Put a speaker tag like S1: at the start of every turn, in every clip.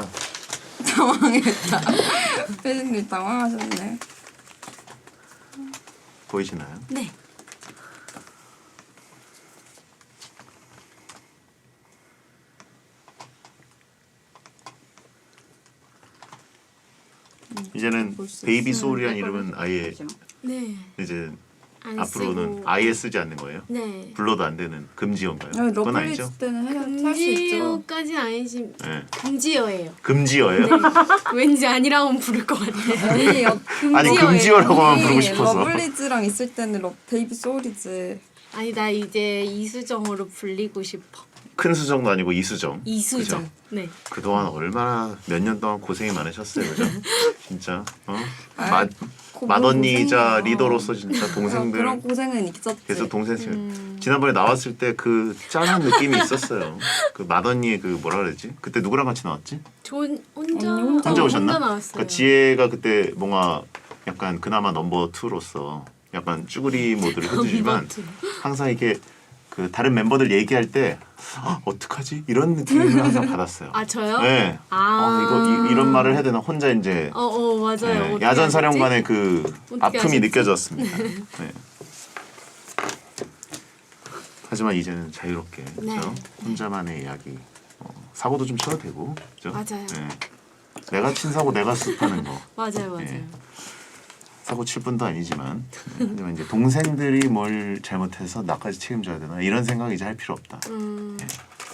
S1: 당황했다. 피디님 당황하셨네.
S2: 보이시나요?
S3: 네.
S2: 이제는 베이비 소울이라는 이름은 아예
S3: 네.
S2: 이제
S3: 안
S2: 앞으로는
S3: 쓰고.
S2: 아예 쓰지 않는 거예요?
S3: 네.
S2: 불러도 안 되는 금지어인가요? 그건 아니죠?
S1: 러블리즈 때는 할 수 있죠.
S3: 금지어까지는 아니지.
S2: 네.
S3: 금지어예요.
S2: 금지어예요?
S3: 네. 왠지 아니라면 부를 것 같아.
S1: 아니,
S2: 아니 금지어라고만 부르고 싶어서.
S1: 러블리즈랑 있을 때는 베이비 소울이지.
S3: 아니 나 이제 이수정으로 불리고 싶어.
S2: 큰 수정도 아니고 이수정.
S3: 이수정.
S2: 그죠?
S3: 네.
S2: 그동안 얼마나 몇 년 동안 고생이 많으셨어요, 그죠? 진짜
S1: 아이,
S2: 맏언니이자
S1: 고생이에요.
S2: 리더로서 진짜 동생들
S1: 그런 고생은 있었지.
S2: 계속 동생 지난번에 나왔을 때 그 짠한 느낌이 있었어요. 그 맏언니의 그 뭐라 그러지? 그때 누구랑 같이 나왔지?
S3: 혼자
S2: 혼자 오셨나?
S3: 혼자 나왔어요.
S2: 그러니까 지혜가 그때 뭔가 약간 그나마 넘버 2로서 약간 쭈구리 모드를 해주지만
S3: 넘버 투.
S2: 항상 이렇게 그 다른 멤버들 얘기할 때 어떡하지? 이런 느낌을 항상 받았어요.
S3: 아 저요?
S2: 네.
S3: 아.
S2: 이거 이런 말을 해야 되나? 혼자 이제
S3: 맞아요.
S2: 네,
S3: 어떻게
S2: 야전
S3: 하셨지?
S2: 사령관의 그
S3: 어떻게
S2: 아픔이
S3: 하셨지?
S2: 느껴졌습니다. 네. 하지만 이제는 자유롭게
S3: 네.
S2: 그렇죠? 혼자만의 이야기 사고도 좀 쳐도 되고 그렇죠?
S3: 맞아요.
S2: 네. 내가 친 사고 내가 습하는 거
S3: 맞아요.
S2: 네. 사고 칠 뿐도 아니지만 하지만 이제 동생들이 뭘 잘못해서 나까지 책임져야 되나 이런 생각 이제 할 필요 없다. 네.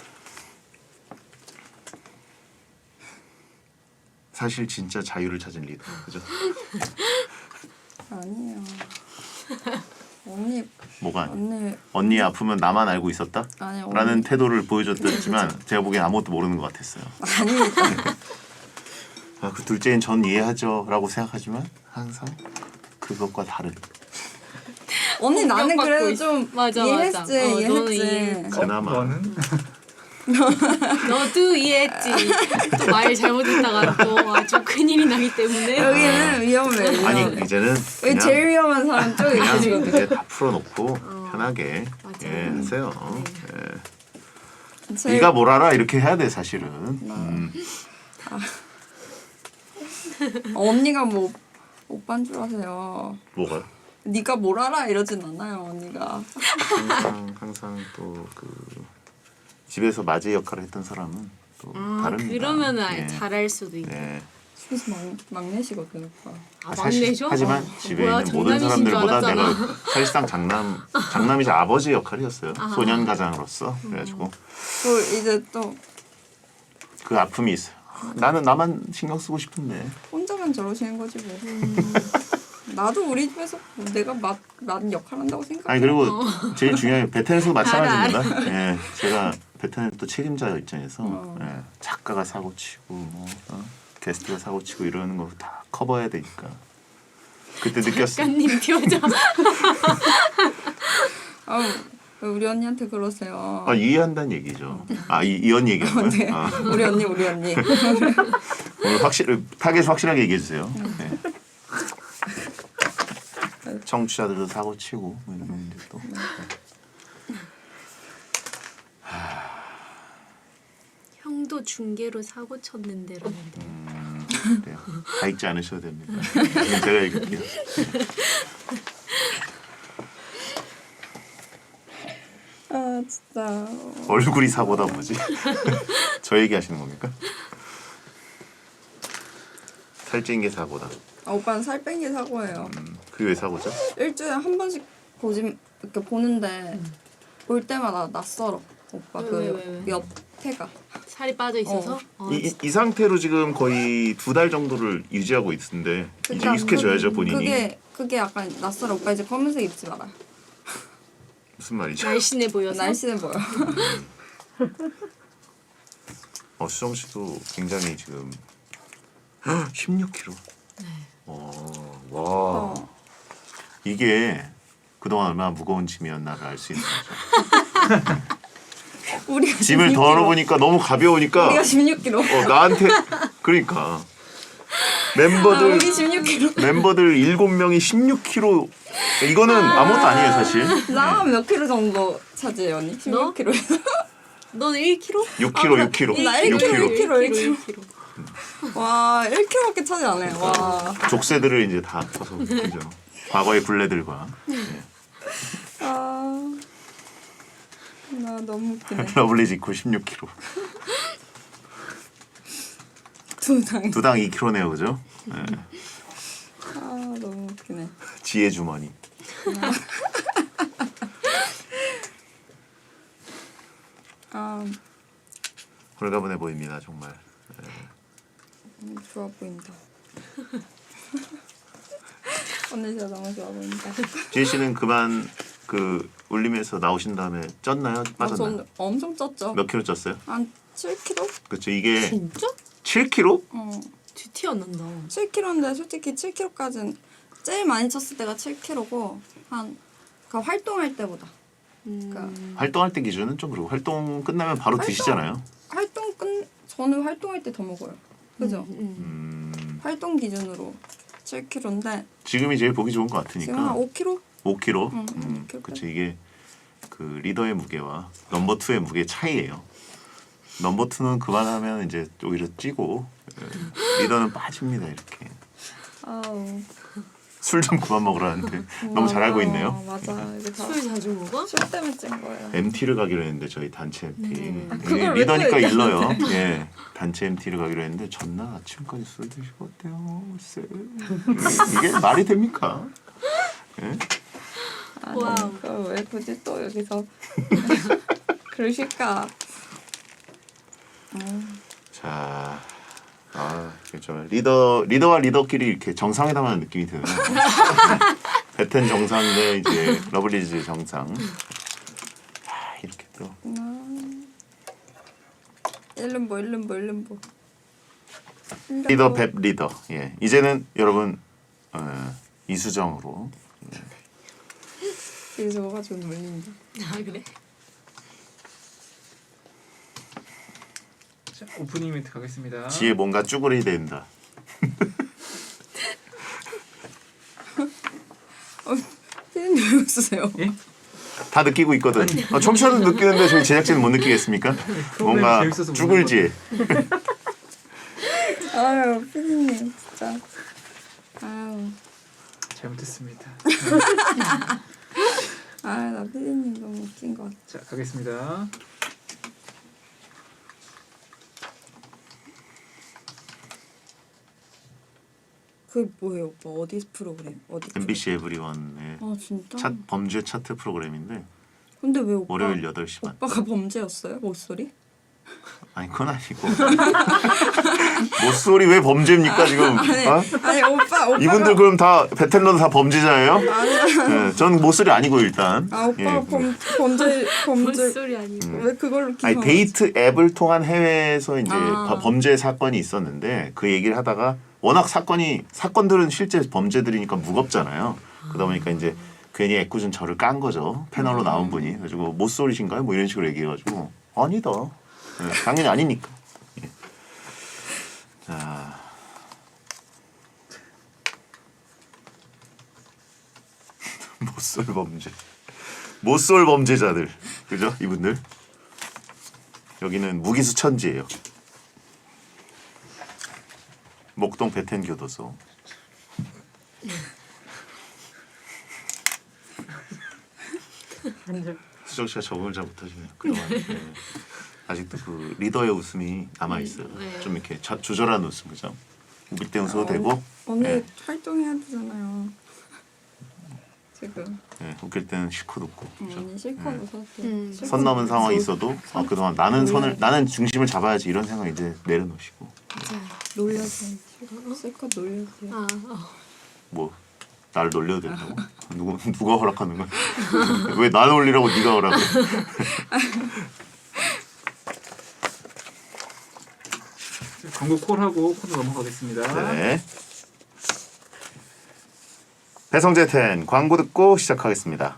S2: 사실 진짜 자유를 찾은 리더 그죠?
S1: 아니에요. 언니
S2: 뭐가
S1: 언니
S2: 언니 아프면 나만 알고 있었다?
S1: 아니, 언니.
S2: 라는 태도를 보여줬지만 제가 보기엔 아무것도 모르는 것 같았어요.
S1: 아닙니다.
S2: 그 둘째인 전 이해하죠 라고 생각하지만 항상 그것과 다른
S1: 언니 나는
S3: 공격받고
S1: 그래도
S3: 있어.
S1: 좀
S3: 맞아,
S1: 이해했지.
S3: 맞아. 너는
S1: 이해했지.
S3: 이해했지.
S2: 그나마
S4: 너는?
S3: 너도 이해했지. 또 말 잘못했다가 또 아주 큰일이 나기 때문에.
S1: 여기는 위험해.
S2: 아니
S1: 위험해.
S2: 이제는
S1: 여기
S2: 그냥
S1: 제일 위험한 사람 쪽에
S2: 그냥
S1: 계시거든요.
S2: 이제 다 풀어놓고 편하게
S3: 맞아요.
S2: 예, 하세요. 예.
S1: 제일-
S2: 네가 뭘 알아 이렇게 해야 돼 사실은.
S1: 언니가 뭐 오빠인 줄 아세요.
S2: 뭐가?
S1: 네가 뭘 알아 이러진 않아요 언니가.
S2: 항상 또 그 집에서 맞이 역할을 했던 사람은 또 다릅니다.
S3: 그러면은
S2: 예.
S3: 잘할 수도 있고.
S2: 네.
S1: 집에서 막내시거든 오빠.
S3: 막내죠?
S2: 하지만 집에
S3: 뭐야,
S2: 있는 모든
S3: 장남이신 줄
S2: 사람들보다 내가
S3: 알았잖아.
S2: 사실상 장남이자 아버지 역할이었어요. 소년 가장으로서 그래가지고
S1: 또 이제 또
S2: 그 아픔이 있어요. 나는 나만 신경 쓰고 싶은데
S1: 혼자만 저러시는 거지 뭐. 나도 우리 집에서 내가 맞은 역할 한다고 생각해.
S2: 아니 그리고 제일 중요한 게 베텐에서도 마찬가지입니다. 예, 제가 베텐 또 책임자 입장에서 예, 작가가 사고 치고 뭐 게스트가 사고 치고 이러는 거 다 커버해야 되니까 그때 느꼈어요.
S3: 작가님 표정.
S1: 아우 우리 언니한테 그러세요.
S2: 이해한다는 얘기죠. 이 언니 얘기한 거예요?
S1: 네. 우리 언니.
S2: 오늘 타겟 확실하게 얘기해 주세요. 네. 청취자들도 사고 치고 뭐 이러는데 또.
S3: 형도 중계로 사고 쳤는데라는데.
S2: 그래요. 다 읽지 않으셔도 됩니다. 제가 읽을게요.
S1: 아 진짜.
S2: 얼굴이 사고다 뭐지? 저 얘기하시는 겁니까? 살찐 게 사고다.
S1: 오빠는 살 뺀 게 사고예요.
S2: 그게 왜 사고죠?
S1: 일주일에 한 번씩 이렇게 보는데 볼 때마다 낯설어. 오빠
S3: 왜?
S1: 옆태가.
S3: 살이 빠져 있어서.
S2: 이 상태로 지금 거의 2달 정도를 유지하고 있는데 이제 익숙해져야죠 본인이.
S1: 그게 약간 낯설어. 오빠 이제 검은색 입지 마라.
S2: 무슨 말이죠?
S3: 날씬해 보여서.
S1: 날씬해 보여.
S2: 수정 씨도 굉장히 지금 16kg.
S3: 네.
S2: 와. 이게 그동안 얼마나 무거운 짐이었나를 알 수 있는 거죠.
S1: 우리가
S2: 짐을
S1: 16kg.
S2: 덜어보니까 너무 가벼우니까
S1: 우리가 16kg.
S2: 나한테 그러니까
S1: 우리
S2: 멤버들
S1: 16kg.
S2: 7명이 16kg 이거는 아무것도 아니에요 사실.
S1: 나 몇 킬로 정도 차지해 언니?
S3: 너?
S1: 16kg에서.
S3: 넌 1kg?
S2: 6kg.
S1: 나 1kg, 1kg. 와 1kg밖에 차지 안 해. 와.
S2: 족쇄들을 이제 다 퍼서 그죠. 과거의 굴레들과
S1: 아. 나 너무 웃기네.
S2: 러블리즈 이퀄 16kg.
S1: 두당.
S2: 두당 2kg네요, 그죠? 네.
S1: 아 너무 웃기네.
S2: 지혜 주머니.
S1: 아
S2: 홀가분해 보입니다, 정말.
S1: 좋아 보인다. 언니 진짜 너무 좋아 보인다.
S2: 지혜 씨는 그만 그 울림에서 나오신 다음에 쪘나요? 빠졌나요?
S1: 전 엄청 쪘죠.
S2: 몇 킬로 쪘어요?
S1: 한 7kg?
S2: 그렇죠. 이게
S3: 진짜?
S2: 7kg?
S3: 뒤티 안 난다.
S1: 7kg인데 솔직히 7kg까지는 제일 많이 쪘을 때가 7kg고 한 그러니까 활동할 때보다. 그러니까
S2: 활동할 때 기준은 좀 그렇고 활동 끝나면 바로 드시잖아요.
S1: 저는 활동할 때 더 먹어요. 그죠?
S2: 음,
S1: 활동 기준으로 7kg인데
S2: 지금이 제일 보기 좋은 것
S1: 지금 한
S2: 같으니까
S1: 5kg?
S2: 5kg.
S1: 응, 5kg.
S2: 그렇죠. 이게 그 리더의 무게와 넘버 2의 무게 차이예요. 넘버 2는 그만하면 이제 오히려 찌고 리더는 빠집니다 이렇게.
S1: 아우.
S2: 술 좀 그만 먹으라는데 너무 잘 알고 있네요.
S1: 맞아. 이게 다
S3: 술 자주 먹어?
S1: 술 때문에 찐 거예요.
S2: MT를 가기로 했는데 저희 단체 MT.
S1: 그걸
S2: 이게
S1: 왜
S2: 리더니까
S1: 또
S2: 일러요. 예, 단체 MT를 가기로 했는데 전날 아침까지 술 드시고 어때요? 글쎄. 이게 말이 됩니까? 예?
S1: 아니,
S3: 와우.
S1: 그걸 왜 굳이 또 여기서 그러실까?
S2: 자, 그렇죠. 리더와 리더끼리 이렇게 정상회담하는 느낌이 드네요. 베텐 정상 대 이제 러블리즈 정상. 이렇게 또
S1: 일름보.
S2: 리더 뱁 리더. 예, 이제는 여러분 이수정으로.
S1: 되게 저거가지고 놀린다.
S3: 아 그래?
S4: 자, 오프닝 멘트 가겠습니다.
S2: 지에 뭔가 쭈그리 된다.
S1: 피디님 왜 웃으세요?
S4: 예?
S2: 다 느끼고 있거든. 청취자도 느끼는데 저희 제작진은 못 느끼겠습니까? 뭔가
S4: 재밌어서
S2: 쭈글지.
S1: 아유 피디님 진짜. 아유.
S4: 잘못했습니다.
S1: 나 피디님 너무 웃긴 것 같아.
S4: 자, 가겠습니다.
S1: 그 뭐예요 오빠? 어디 프로그램? 어디?
S2: MBC 에브리원의
S1: 아 진짜?
S2: 범죄 차트 프로그램인데
S1: 근데 왜 오빠?
S2: 월요일 8시 반.
S1: 오빠가 범죄였어요? 목소리?
S2: 아니 그건 아니고. 모쏠이 왜 범죄입니까 지금? 어?
S1: 아니 오빠가
S2: 이분들 그럼 다 베텔러도 다 범죄자예요?
S1: 아니야.
S2: 네, 전 모쏠이 아니고 일단.
S1: 오빠가
S2: 예.
S1: 범죄
S3: 뭔 소리 아니고.
S1: 왜 그걸로
S2: 아니
S1: 기사?
S2: 데이트 앱을 통한 해외에서 이제
S1: 아.
S2: 범죄 사건이 있었는데 그 얘기를 하다가 워낙 사건들은 실제 범죄들이니까 무겁잖아요. 그러다 보니까 이제 괜히 애꿎은 저를 깐 거죠. 패널로 나온 분이. 그래가지고 모쏠이신가요? 뭐 이런 식으로 얘기해가지고 아니다. 네, 당연히 아니니까. 예. 자. 모쏠 범죄자들. 그죠? 이분들. 여기는 무기수천지예요. 목동 베텐 교도소. 수정 씨가 적응을 잘 못하시네요. 그동안 아직도 그 리더의 웃음이 남아 있어요.
S3: 네.
S2: 좀 이렇게 조절한 웃음, 그죠? 웃을 때 웃어도 되고,
S1: 언니
S2: 네.
S1: 활동해야 되잖아요. 지금.
S2: 네, 웃길 때는 실컷 웃고. 그죠?
S1: 언니 실컷 웃어도 실컷
S2: 선 넘은 상황이
S1: 웃어.
S2: 있어도 그동안 나는 중심을 잡아야지 이런 생각 이제 내려놓으시고
S3: 맞아요.
S1: 놀려주세요. 실컷 놀려주세요.
S2: 뭐 날 놀려도 된다고? 누가 허락하는 거야? 왜 나 놀리라고 네가 허락해?
S4: 자, 광고 콜하고 코너 넘어가겠습니다.
S2: 네. 배성재 텐 광고 듣고 시작하겠습니다.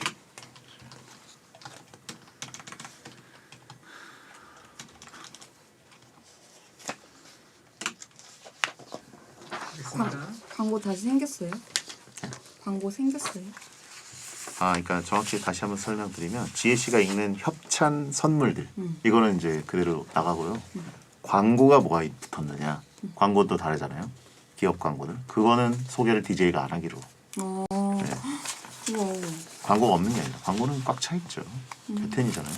S4: 가겠습니다.
S1: 광고 다시 생겼어요? 광고 생겼어요?
S2: 그러니까 정확히 다시 한번 설명드리면 지혜 씨가 읽는 협찬 선물들 이거는 이제 그대로 나가고요. 광고가 뭐가 붙었느냐. 광고도 다르잖아요. 기업 광고들. 그거는 소개를 DJ가 안 하기로.
S1: 어.
S2: 네.
S1: 우와.
S2: 광고가 없는 게 아니라 광고는 꽉 차 있죠. 베텐이잖아요.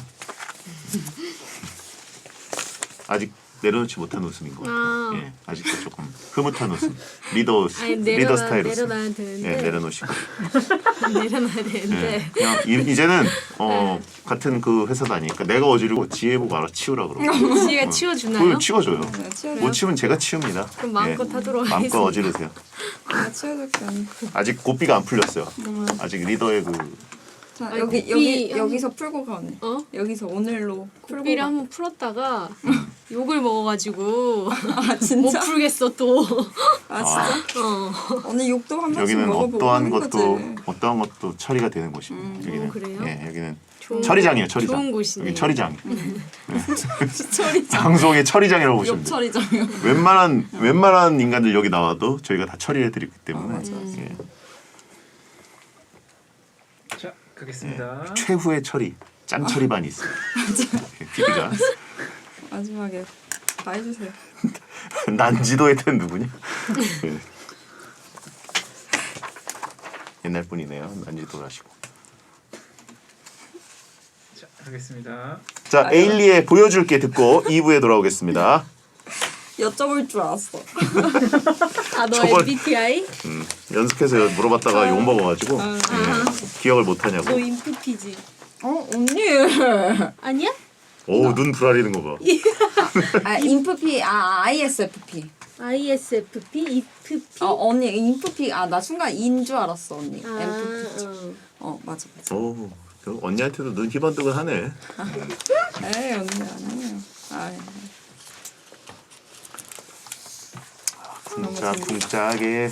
S2: 아직 내려놓지 못한 웃음인 것 같아요.
S3: 아.
S2: 예, 아직도 조금 흐뭇한 웃음. 리더
S3: 아니,
S2: 리더 스타일 웃음.
S3: 내려놔야 되는데.
S2: 예, 내려놓으시고.
S3: 내려놔야 되는데.
S2: 예, 그냥 이제는 같은 그 회사도 아니니까 내가 어지르고 지혜 보고 알아 치우라 그러고.
S3: 지혜가 치워주나요?
S2: 그걸 치워줘요.
S1: 내가 치워줘요?
S2: 못 치우면 제가 치웁니다.
S3: 그럼 마음껏 하도록
S2: 마음껏
S3: 하겠습니다.
S2: 어지르세요.
S1: 내가 치워줄게 언니.
S2: 아직 고삐가 안 풀렸어요. 아직 리더의 그
S1: 자
S3: 아니,
S1: 여기
S3: 고삐
S1: 여기서 풀고 가 언니.
S3: 어?
S1: 여기서 오늘로 풀고
S3: 고삐를
S1: 가.
S3: 한번 풀었다가 욕을 먹어가지고
S1: 아
S3: 못
S1: 진짜?
S3: 풀겠어 또.
S1: 아 진짜?
S3: 어.
S1: 언니 욕도 한 번씩
S2: 여기는
S1: 먹어보고
S2: 어떠한
S1: 하는
S2: 것도
S1: 거지.
S2: 어떠한 것도 처리가 되는 곳입니다. 여기는
S3: 그래요?
S2: 예, 여기는
S3: 좋은
S2: 처리장이에요. 처리장.
S3: 좋은 곳이네요.
S2: 여기 처리장.
S1: 처리장.
S2: 방송의 처리장이라고 보시면
S1: 욕
S2: 돼요.
S1: 처리장이요.
S2: 웬만한 인간들 여기 나와도 저희가 다 처리해 드리기 때문에
S1: 맞아, 맞아.
S2: 예.
S4: 자, 가겠습니다.
S2: 최후의 처리 짱 처리반이 있어요. PD가
S1: 마지막에 다 해주세요.
S2: 난지도의 텐 누구냐? 예. 옛날 분이네요. 난지도라시고.
S4: 자, 가겠습니다.
S2: 자 에일리의 보여줄게 듣고 2부에 돌아오겠습니다.
S1: 여쭤볼 줄 알았어.
S3: 아, 너
S2: 저걸-
S3: MBTI?
S2: 연습해서 물어봤다가 욕 먹어가지고 기억을 못하냐고.
S3: 너 인프피지?
S1: 어 언니.
S3: 아니야?
S2: 오 눈 부라리는 거 봐.
S1: 아 인프피 ISFP.
S3: ISFP? IFP?
S1: 언니 인프피 나 순간 인 줄 알았어 언니.
S3: 아,
S1: INFP. 맞아.
S2: 오 그 언니한테도 눈 희번뜩은 하네.
S1: 에이 언니 아니에요.
S2: 쿵짝쿵짝에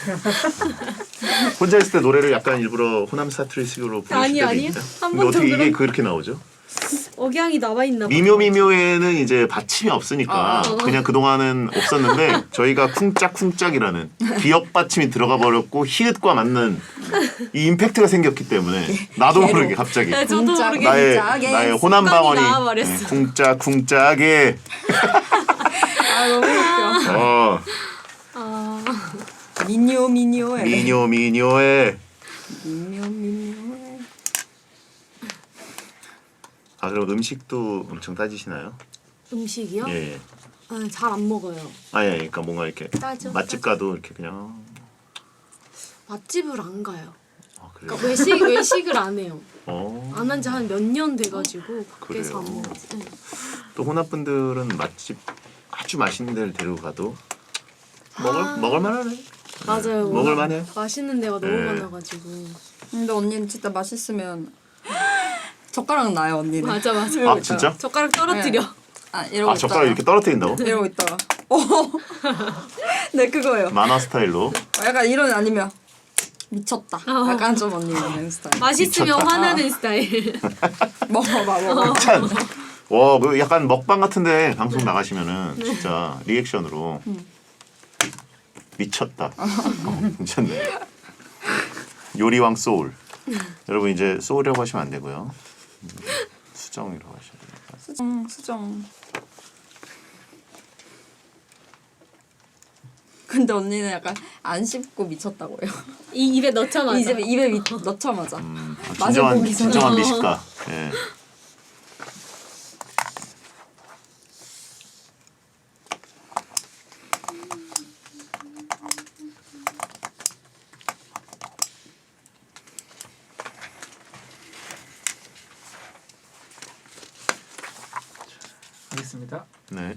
S2: 혼자 있을 때 노래를 약간 일부러 호남 사투리식으로 부르실
S3: 아니,
S2: 때도
S3: 아니요.
S2: 있죠.
S3: 한
S2: 근데
S3: 번도
S2: 어떻게 이게
S3: 그런-
S2: 그렇게 나오죠?
S3: 억양이 나와 있나 봐.
S2: 미묘미묘에는 이제 받침이 없으니까 그냥 그동안은 없었는데 저희가 쿵짝쿵짝이라는 기억 받침이 들어가 버렸고 히읗과 맞는 이 임팩트가 생겼기 때문에 나도
S1: 개로.
S2: 모르게 갑자기
S3: 네, 저도
S1: 쿵짝.
S3: 모르게
S2: 나의 호남 방언이
S3: 나와버렸어.
S2: 쿵짝쿵짝에
S1: 너무 웃겨.
S2: 어
S1: 미녀에.
S2: 미녀에
S1: 미녀에.
S2: 아 그럼 음식도 엄청 따지시나요?
S3: 음식이요?
S2: 예.
S3: 아, 잘 안 먹어요.
S2: 아니 그러니까 뭔가 이렇게
S3: 따져,
S2: 맛집 가도 이렇게 그냥
S3: 맛집을 안 가요.
S2: 그래요.
S3: 그러니까 외식을 안 해요.
S2: 어.
S3: 안 한 지 한 몇 년 돼가지고 그래서 안
S2: 그래요?
S3: 먹었지. 네.
S2: 또 호남 분들은 맛집 아주 맛있는 데를 데리고 가도
S3: 아.
S2: 먹을 만하네.
S3: 맞아요.
S2: 먹을
S3: 워낙
S2: 만해요.
S3: 맛있는 데가 너무
S2: 네.
S3: 많아가지고.
S1: 근데 언니는 진짜 맛있으면 젓가락 나요 언니는.
S3: 맞아.
S2: 아 진짜?
S3: 젓가락 떨어뜨려.
S1: 이러고
S2: 아 젓가락 이렇게 떨어뜨린다고?
S1: 이러고 있다가. 네 그거예요.
S2: 만화 스타일로.
S1: 약간 이런 아니면 미쳤다. 약간 좀 언니 이런 스타일.
S3: 맛있으면
S2: 미쳤다.
S3: 화나는 스타일.
S1: 먹어봐.
S2: 참. 와, 그 약간 먹방 같은데 방송 나가시면은 진짜 리액션으로 미쳤다. 괜찮네. 요리왕 소울. 여러분 이제 소울이라고 하시면 안 되고요. 수정이라고 하셔야 됩니다.
S1: 수정. 근데 언니는 약간 안 씹고 미쳤다고요.
S3: 이 입에 넣자마자.
S1: 입에 넣자마자. 맛을
S2: 진정한
S1: 보기 전에.
S2: 진정한 미식가. 예.
S4: 가겠습니다.
S2: 네.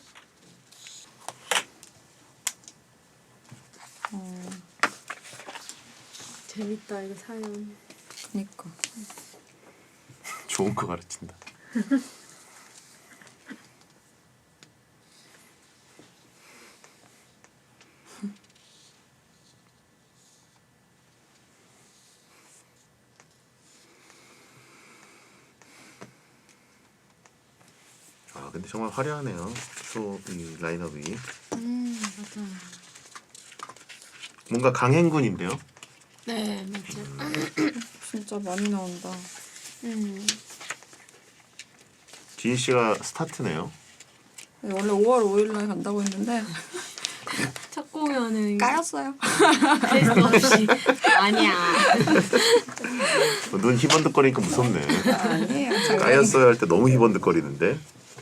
S3: 재밌다 이거 사연.
S1: 그니까.
S2: 좋은 거 가르친다. 아 근데 정말 화려하네요. 이 라인업이
S3: 맞아.
S2: 뭔가 강행군인데요.
S3: 네 맞아.
S1: 진짜 많이 나온다.
S2: 지희 씨가 스타트네요.
S1: 네, 원래 5월 5일날 간다고 했는데
S3: 첫 공연은
S1: 까였어요.
S3: 할 수 없이 아니야.
S2: 눈 희번득거리니까 무섭네.
S1: 아니에요.
S2: 까였어요 할 때 너무 희번득거리는데.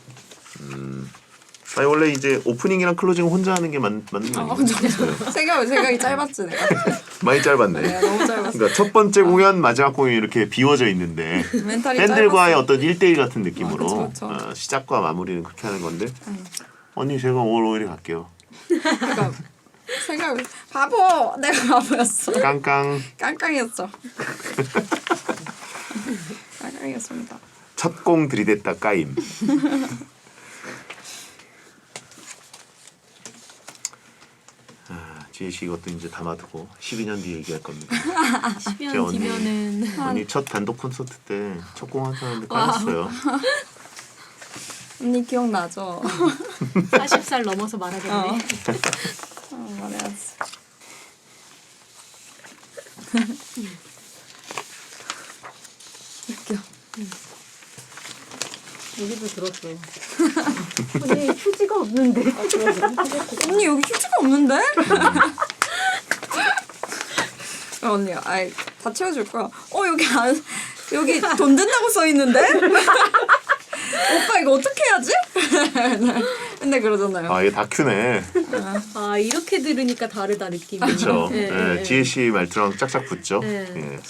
S2: 아니 원래 이제 오프닝이랑 클로징 혼자 하는 게 맞는 거 아니에요?
S1: 생각이 짧았지 내가.
S2: 많이 짧았네.
S1: 내가 너무 짧았어.
S2: 그러니까 첫 번째 공연, 마지막 공연 이렇게 비워져 있는데
S1: 멘탈이
S2: 팬들과의
S1: 짧았어.
S2: 어떤 1대1 같은 느낌으로
S1: 그쵸.
S2: 시작과 마무리는 그렇게 하는 건데 언니 제가 5월 5일에 갈게요.
S1: 그러니까 생각을 바보. 내가 바보였어.
S2: 깡깡.
S1: 깡깡이었죠. 깡깡이었습니다.
S2: 첫 공 들이댔다 까임. 지혜씨 이것도 이제 담아두고 12년 뒤에 얘기할 겁니다.
S3: 10년
S2: 언니.
S3: 뒤면은
S2: 언니 첫 단독 콘서트 때 첫 공 하는데 까였어요.
S1: 언니 기억나죠?
S3: 40살 넘어서 말하겠네.
S1: 말해야지. 웃겨.
S3: 여기도 들었어. 언니 휴지가 없는데.
S1: 언니 여기 휴지가 없는데? 언니, 아이 다 채워줄 거야. 여기 돈 든다고 써 있는데? 오빠 이거 어떻게 해야지? 근데 그러잖아요.
S2: 아 이게 다큐네.
S3: 아 이렇게 들으니까 다르다 느낌이.
S2: 그렇죠.
S3: 네,
S2: 네,
S3: 네.
S2: 지혜씨 말투랑 짝짝 붙죠.
S3: 네.
S2: 예.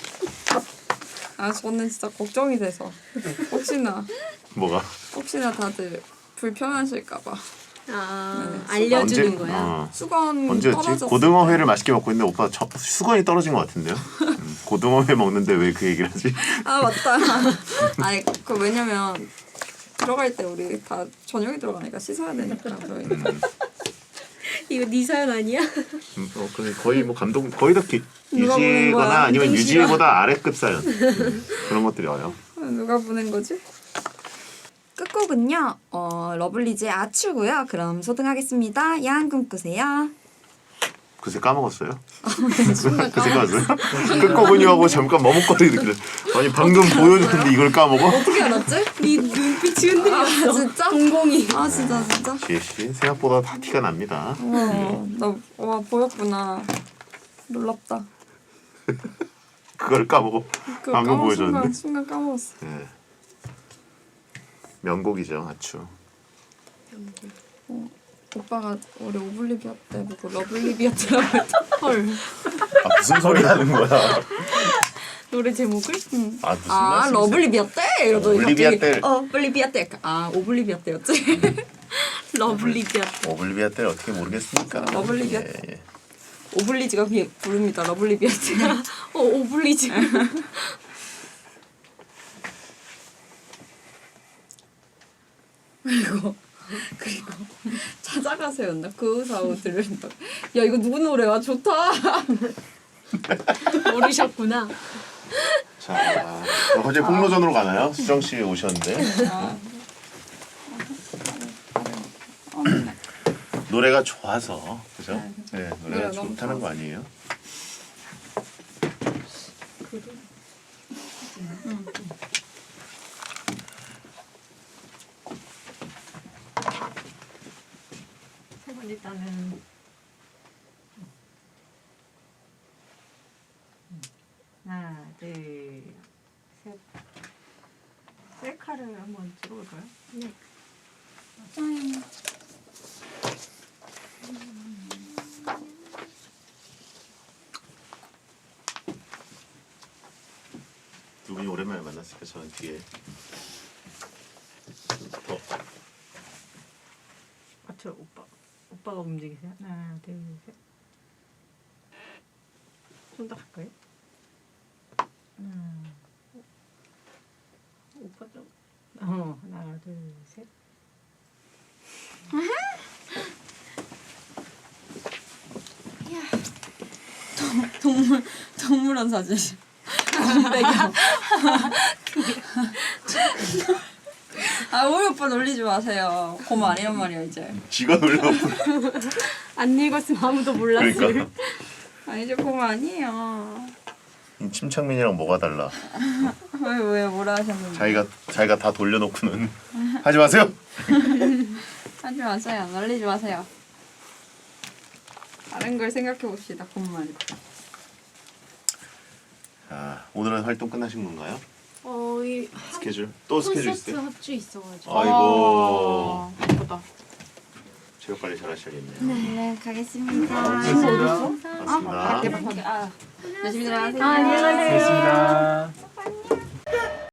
S1: 아 저는 진짜 걱정이 돼서
S2: 뭐가?
S1: 혹시나 다들 불편하실까봐.
S3: 아 알려주는
S2: 언제?
S3: 거야.
S1: 수건
S2: 언제였지?
S1: 떨어졌을
S2: 고등어회를 맛있게 먹고 있는데 오빠 수건이 떨어진 것 같은데요? 고등어회 먹는데 왜 그 얘기를 하지?
S1: 아 맞다. 아니 그 왜냐면 들어갈 때 우리 다 저녁에 들어가니까 씻어야 되니까 저희.
S3: 이거 네 사연 아니야?
S2: 그럼 거의 뭐 감독 거의 다
S1: 누가 보는
S2: 유지거나
S1: 거야?
S2: 아니면
S1: 땡시야.
S2: 유지보다 아래급 사연 그런 것들이 와요.
S1: 누가 보낸 거지? 끝곡은요. 러블리즈의 아추고요. 그럼 소등하겠습니다. 야한 꿈 꾸세요.
S2: 그새 까먹었어요?
S1: 순간
S2: 그새 까먹었어요? 끝곡은요 하고 잠깐 머뭇거리는 그래. 아니 방금 보여줬는데 이걸 까먹어?
S1: 어떻게 알았지?
S3: 네 눈빛이 흔들렸어.
S1: 아 진짜?
S3: 동공이.
S1: 아 진짜?
S2: 지혜씨 생각보다 다 티가 납니다.
S1: 와 보였구나. 놀랍다.
S2: 그걸 까먹어 방금 보여줬는데.
S1: 순간 까먹었어.
S2: 예. 명곡이죠 아추.
S1: 오빠가 우리 오블리비아 때 보고 러블리비아트라고 했다.
S3: 헐.
S2: 아 무슨 소리 하는 거야?
S3: 노래 제목을?
S2: 아 무슨
S1: 아
S2: 말씀이세요?
S1: 러블리비아 때 이러더니
S2: 오블리비아
S1: 갑자기,
S2: 때.
S1: 오블리비아 때. 아 오블리비아 때였지.
S3: 러블리비아.
S2: 오블리비아 때를 어떻게 모르겠습니까?
S1: 러블리비아
S2: 예, 예.
S1: 오블리즈가 부릅니다. 러블리비아 때.
S3: 오블리즈.
S1: 그리고 찾아가세요나 그 사오 들린다. 야 이거 누구 노래야? 좋다.
S3: 모르셨구나.
S2: 자, 어제 폭로전으로 가나요? 수정 씨 오셨는데 노래가 좋아서 그죠? 네, 노래가
S1: 노래가 너무
S2: 좋다는 거 아니에요?
S3: 세 번 일단은 하나, 둘, 셋. 셀카를 한번 찍어볼까요? 네.
S2: 두 분이 오랜만에 만났으니까 저는 뒤에 더
S3: 저 오빠가 움직이세요. 하나, 둘, 셋. 좀 더 할까요? 오빠 좀. 하나, 둘, 셋.
S1: 동물원 사진. 아 우리 오빠 놀리지 마세요. 곰 아니란 말이야 이제.
S2: 지가 놀려고
S3: 안 읽었으면 아무도 몰랐을.
S2: 그러니까
S1: 아 이제 곰 아니에요.
S2: 침착맨이랑 뭐가 달라?
S1: 왜 뭐라 하셨는데?
S2: 자기가 다 돌려놓고는 하지 마세요.
S1: 놀리지 마세요. 놀리지 마세요. 다른 걸 생각해 봅시다. 곰 말고.
S2: 자, 오늘은 활동 끝나신 건가요?
S3: 이
S2: 스케줄? 또 스케줄
S3: 콘서트
S2: 있어요?
S3: 합주 있어가지고.
S2: 아이고.
S1: 예쁘다.
S2: 체육 관리 잘하셔야겠네요.
S1: 네, 가겠습니다.
S4: 고맙습니다.
S2: 맞습니다.
S1: 열심히 들어가세요.
S3: 안녕히 가세요.
S4: 고맙습니다.